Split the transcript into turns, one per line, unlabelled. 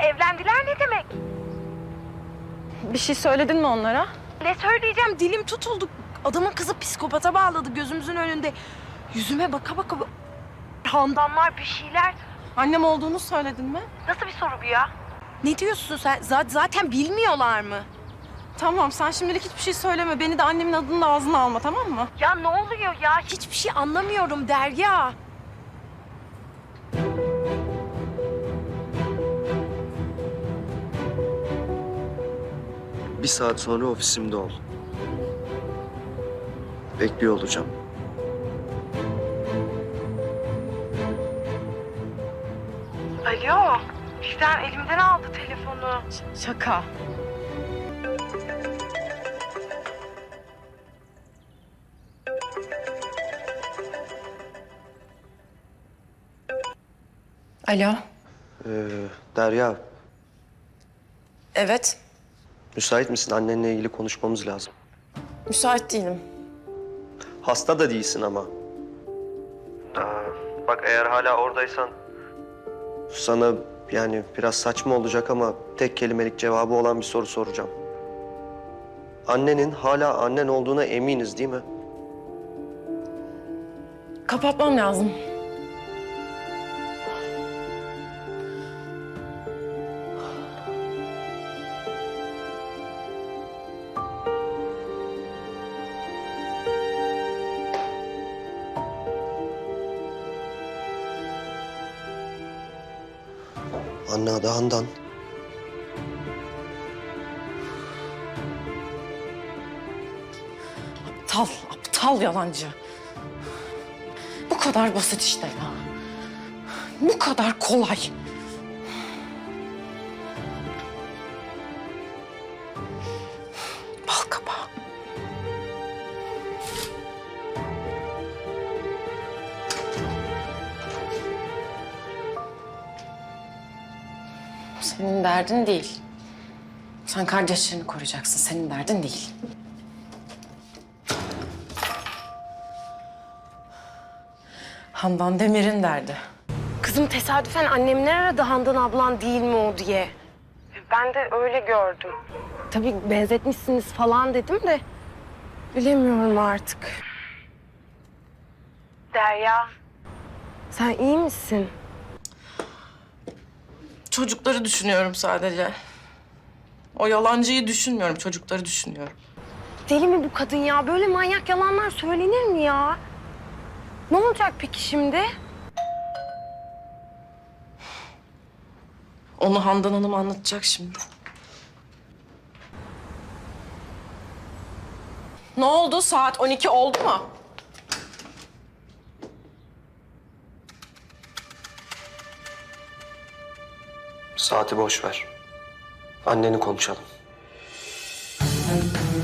evlendiler ne demek?
Bir şey söyledin mi onlara?
Ne söyleyeceğim, dilim tutuldu. Adamın kızı psikopata bağladı gözümüzün önünde. Yüzüme baka baka handanlar bir şeyler.
Annem olduğunu söyledin mi?
Nasıl bir soru bu ya? Ne diyorsun sen? Zaten bilmiyorlar mı?
Tamam, sen şimdilik hiçbir şey söyleme. Beni de annemin adını da ağzına alma, tamam mı?
Ya ne oluyor ya? Hiçbir şey anlamıyorum Derya.
Bir saat sonra ofisimde ol. Bekliyor olacağım.
Alo. Birden elimden aldı telefonu.
Şaka. Alo.
Derya,
Evet.
müsait misin? Annenle ilgili konuşmamız lazım.
Müsait değilim.
Hasta da değilsin ama. Bak eğer hala oradaysan... Sana yani biraz saçma olacak ama tek kelimelik cevabı olan bir soru soracağım. Annenin hala annen olduğuna eminiz değil mi?
Kapatmam lazım.
Anne adı Handan.
Aptal, aptal yalancı. Bu kadar basit işte ya. Bu kadar kolay. Bal kabağı. Senin derdin değil. Sen kardeşlerini koruyacaksın. Senin derdin değil. Handan Demir'in derdi.
Kızım tesadüfen annemler aradı Handan ablan değil mi o diye. Ben de öyle gördüm. Tabii benzetmişsiniz falan dedim de bilemiyorum artık. Derya. Sen iyi misin?
Çocukları düşünüyorum sadece. O yalancıyı düşünmüyorum, çocukları düşünüyorum.
Deli mi bu kadın ya? Böyle manyak yalanlar söylenir mi ya? Ne olacak peki şimdi?
Onu Handan Hanım anlatacak şimdi. Ne oldu? Saat 12 oldu mu?
Saati boş ver. Anneni konuşalım.